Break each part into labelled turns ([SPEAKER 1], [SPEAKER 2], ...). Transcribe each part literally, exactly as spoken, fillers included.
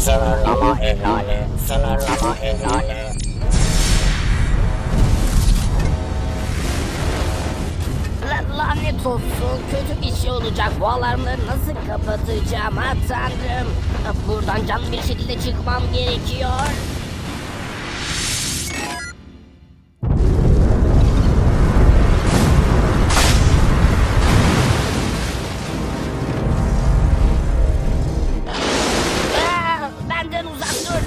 [SPEAKER 1] Sınırlama ihlali, sınırlama ihlali. La- Lanet olsun, kötü bir şey olacak. Bu alarmları nasıl kapatacağım ha tanrım? Buradan canlı bir şekilde çıkmam gerekiyor. Aa, benden uzak dur.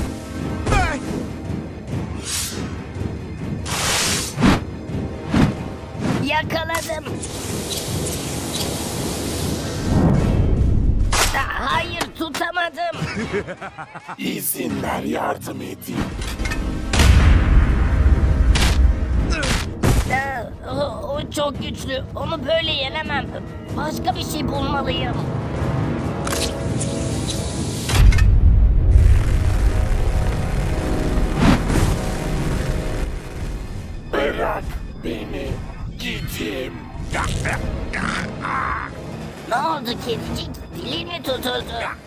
[SPEAKER 1] Yakaladım. Aa, hayır, tutamadım.
[SPEAKER 2] İzin ver yardım edeyim.
[SPEAKER 1] Aa, o, o çok güçlü. Onu böyle yenemem. Başka bir şey bulmalıyım.
[SPEAKER 2] Bırak beni gideyim.
[SPEAKER 1] Ne oldu kedicik? Dilin mi tutuldu?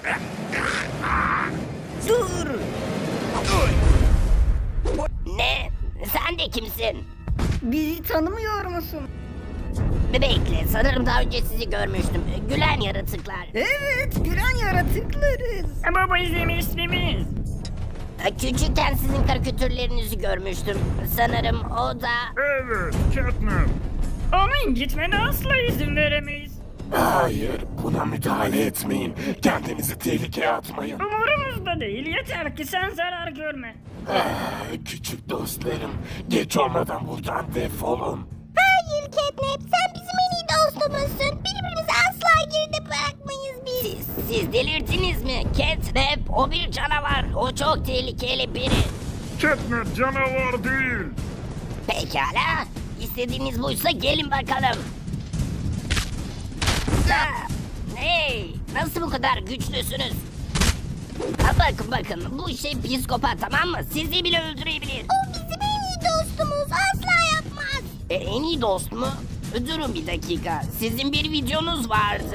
[SPEAKER 3] Dur!
[SPEAKER 1] Ne? Sen de kimsin?
[SPEAKER 3] Bizi tanımıyor musun?
[SPEAKER 1] Bekle, sanırım daha önce sizi görmüştüm. Gülen yaratıklar.
[SPEAKER 3] Evet, gülen yaratıklarız.
[SPEAKER 4] Baba izlemiştiniz.
[SPEAKER 1] Küçükken sizin karikatürlerinizi görmüştüm. Sanırım o da...
[SPEAKER 4] Evet, Catnap. Onun gitmene asla izin veremeyiz.
[SPEAKER 2] Hayır, buna müdahale etmeyin. Kendinizi tehlikeye atmayın.
[SPEAKER 4] Umurumuzda değil, yeter ki sen zarar görme.
[SPEAKER 2] Ah, küçük dostlarım, geç olmadan buradan defolun.
[SPEAKER 5] Hayır Catnap, sen bizim en iyi dostumuzsun. Birbirimizi asla geride bırakmayız biz.
[SPEAKER 1] Siz, siz delirdiniz mi? Catnap, o bir canavar. O çok tehlikeli biri.
[SPEAKER 4] Catnap canavar değil.
[SPEAKER 1] Pekala. İstediğiniz buysa gelin bakalım. Ah, hey, nasıl bu kadar güçlüsünüz? Ha, bakın bakın, bu şey psikopat, tamam mı? Sizi bile öldürebilir.
[SPEAKER 5] O bizim en iyi dostumuz, asla yapmaz.
[SPEAKER 1] E, en iyi dost mu? Durun bir dakika. Sizin bir videonuz vardı.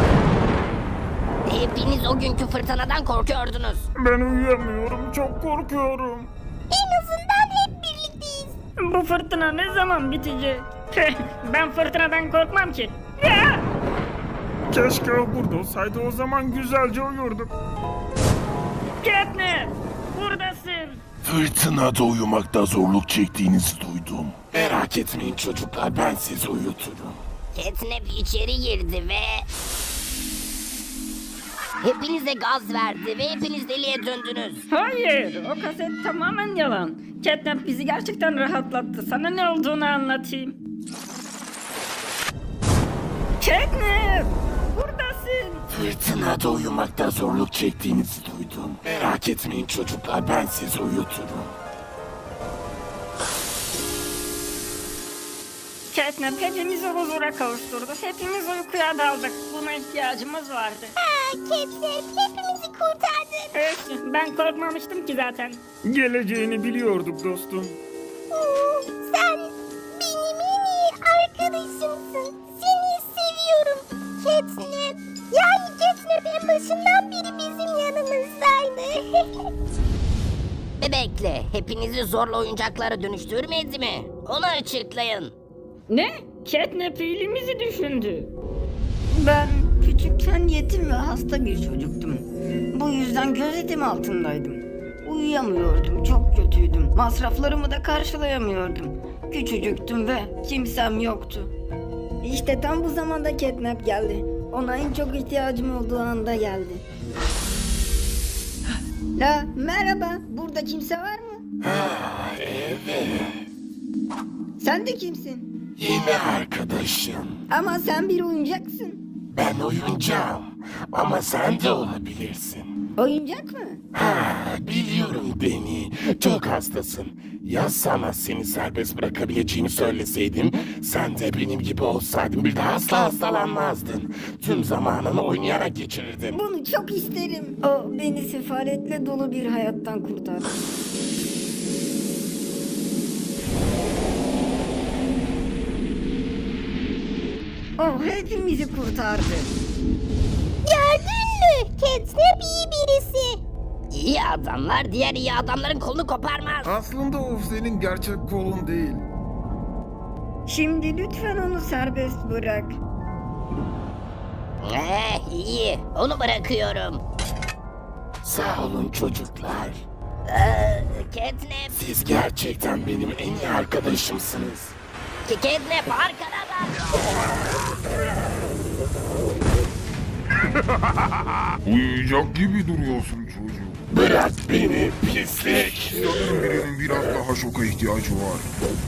[SPEAKER 1] Hepiniz o günkü fırtınadan korkuyordunuz.
[SPEAKER 4] Ben uyuyamıyorum, çok korkuyorum.
[SPEAKER 5] En azından hep birlikteyiz.
[SPEAKER 4] Bu fırtına ne zaman bitecek? Ben fırtınadan korkmam ki. Ya! Keşke o burada olsaydı, o zaman güzelce uyurduk. Catnap, buradasın.
[SPEAKER 2] Fırtınada uyumakta zorluk çektiğinizi duydum. Merak etmeyin çocuklar, ben sizi uyuturum.
[SPEAKER 1] Catnap içeri girdi ve... Hepinize gaz verdi ve hepiniz deliye döndünüz.
[SPEAKER 4] Hayır, o kaset tamamen yalan. Catnap bizi gerçekten rahatlattı. Sana ne olduğunu anlatayım. Catnap, buradasın.
[SPEAKER 2] Fırtınada uyumakta zorluk çektiğinizi duydum. Merak etmeyin çocuklar, ben sizi uyuturum.
[SPEAKER 4] Catnap hepimizi huzura kavuşturdu. Hepimiz uykuya daldık. Buna ihtiyacımız vardı.
[SPEAKER 5] Ha Catnap, hepimizi kurtardın.
[SPEAKER 4] Evet, ben korkmamıştım ki zaten. Geleceğini biliyorduk dostum.
[SPEAKER 5] Oo, sen benim en iyi arkadaşımsın. Seni seviyorum Catnap. Yani Catnap en başından beri bizim yanımızdaydı.
[SPEAKER 1] Bekle, hepinizi zorla oyuncaklara dönüştürmedi mi? Onu açıklayın.
[SPEAKER 4] Ne? Catnap iyiliğimizi düşündü.
[SPEAKER 3] Ben küçükken yetim ve hasta bir çocuktum. Bu yüzden gözetim altındaydım. Uyuyamıyordum, çok kötüydüm. Masraflarımı da karşılayamıyordum. Küçücüktüm ve kimsem yoktu. İşte tam bu zamanda Catnap geldi. Ona en çok ihtiyacım olduğu anda geldi. La merhaba, burada kimse var mı?
[SPEAKER 2] Ah, evet,
[SPEAKER 3] Sen de kimsin?
[SPEAKER 2] yine arkadaşım.
[SPEAKER 3] Ama sen bir oyuncaksın.
[SPEAKER 2] Ben oyuncağım ama sen de olabilirsin.
[SPEAKER 3] Oyuncak mı?
[SPEAKER 2] Ha, biliyorum beni. Çok hastasın. Ya sana seni serbest bırakabileceğimi söyleseydim, sen de benim gibi olsaydın bir daha asla hastalanmazdın. Tüm zamanını oynayarak geçirirdin.
[SPEAKER 3] Bunu çok isterim. O beni sefaletle dolu bir hayattan kurtardı. O hepimizi kurtardı.
[SPEAKER 5] Gördün mü? Catnap iyi birisi.
[SPEAKER 1] İyi adamlar diğer iyi adamların kolunu koparmaz.
[SPEAKER 6] Aslında o senin gerçek kolun değil.
[SPEAKER 3] Şimdi lütfen onu serbest bırak.
[SPEAKER 1] Eh, iyi. Onu bırakıyorum.
[SPEAKER 2] Sağ olun çocuklar.
[SPEAKER 1] Ee, Catnap.
[SPEAKER 2] Siz gerçekten benim en iyi arkadaşımsınız.
[SPEAKER 1] Ki Catnap arkana bak.
[SPEAKER 6] Uyuyacak gibi duruyorsun çocuğum.
[SPEAKER 2] Bırak beni pislik.
[SPEAKER 6] Sanırım birinin biraz daha şoka ihtiyacı var.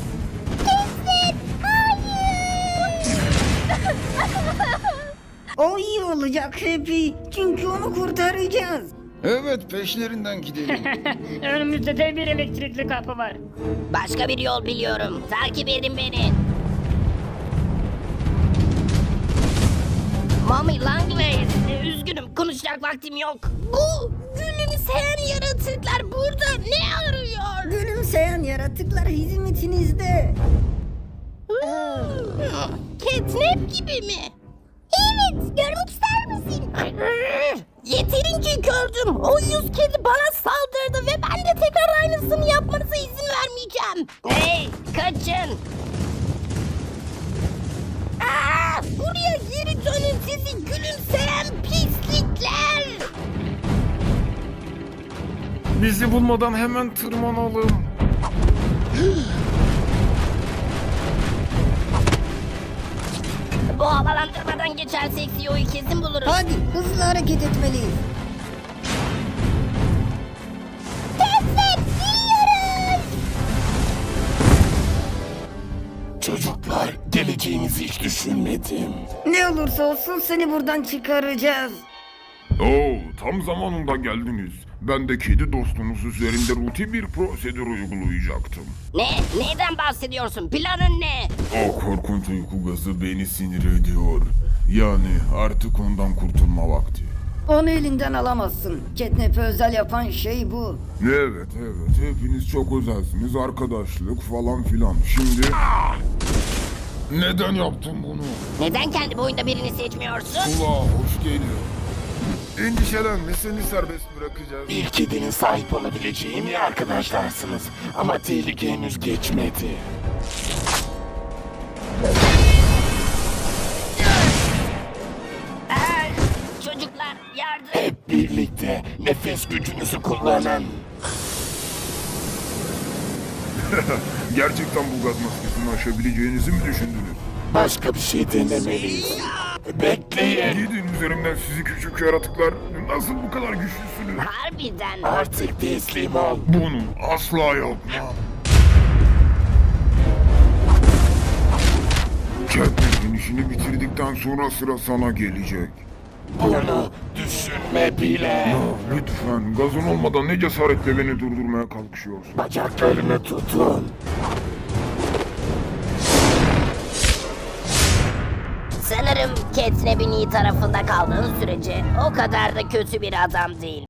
[SPEAKER 3] O iyi olacak Happy. Çünkü onu kurtaracağız.
[SPEAKER 6] Evet, peşlerinden gidelim.
[SPEAKER 4] Önümüzde de bir elektrikli kapı var.
[SPEAKER 1] Başka bir yol biliyorum. Takip edin beni. Mommy Langlaze. Üzgünüm konuşacak vaktim yok. Bu gülümseyen yaratıklar burada ne arıyor?
[SPEAKER 3] Gülümseyen yaratıklar hizmetinizde.
[SPEAKER 1] Catnap gibi mi?
[SPEAKER 5] Evet, görmek ister misin?
[SPEAKER 1] Yeterince gördüm. O yüz kedi bana saldırdı ve ben de tekrar aynısını yapmanıza izin vermeyeceğim. Hey, kaçın. Aa, buraya geri dönün sizi gülümseyen pislikler.
[SPEAKER 6] Bizi bulmadan hemen tırmanalım.
[SPEAKER 1] Bu havalandırmadan geçersek C E O'yu kesin buluruz.
[SPEAKER 3] Hadi hızlı hareket etmeliyiz.
[SPEAKER 5] Catnap, gidiyoruz.
[SPEAKER 2] Çocuklar, geleceğinizi hiç düşünmedim.
[SPEAKER 3] Ne olursa olsun seni buradan çıkaracağız.
[SPEAKER 6] Oo, tam zamanında geldiniz. Ben de kedi dostunuz üzerinde rutin bir prosedür uygulayacaktım.
[SPEAKER 1] Ne? Neyden bahsediyorsun? Planın ne?
[SPEAKER 6] O korkunç uyku gazı beni sinir ediyor. Yani artık ondan kurtulma vakti.
[SPEAKER 3] Onu elinden alamazsın. Catnap'e özel yapan şey bu.
[SPEAKER 6] Evet evet, hepiniz çok özelsiniz, arkadaşlık falan filan. Şimdi... Neden yaptın bunu?
[SPEAKER 1] Neden kendi boyunda birini seçmiyorsun?
[SPEAKER 6] Kulağa hoş geliyor. Endişelenme, seni serbest bırakacağız.
[SPEAKER 2] Bir kedinin sahip olabileceği en iyi arkadaşlarsınız. Ama tehlike henüz geçmedi.
[SPEAKER 1] Aa, çocuklar yardım.
[SPEAKER 2] Hep birlikte nefes gücünüzü kullanın.
[SPEAKER 6] Gerçekten bu gaz maskesini aşabileceğinizi mi düşündünüz?
[SPEAKER 2] Başka bir şey denemeliyiz. Bekleyin.
[SPEAKER 6] Gidin üzerimden sizi küçük yaratıklar. Nasıl bu kadar güçlüsünüz?
[SPEAKER 1] Harbiden.
[SPEAKER 2] Artık teslim ol.
[SPEAKER 6] Bunu asla yapma. Catnap'in işini bitirdikten sonra sıra sana gelecek.
[SPEAKER 2] Bunu düşünme bile.
[SPEAKER 6] Ya lütfen, gazın olmadan ne cesaretle beni durdurmaya kalkışıyorsun?
[SPEAKER 2] Bacaklarını tutun.
[SPEAKER 1] Sanırım Catnap'in iyi tarafında kaldığın sürece o kadar da kötü bir adam değil.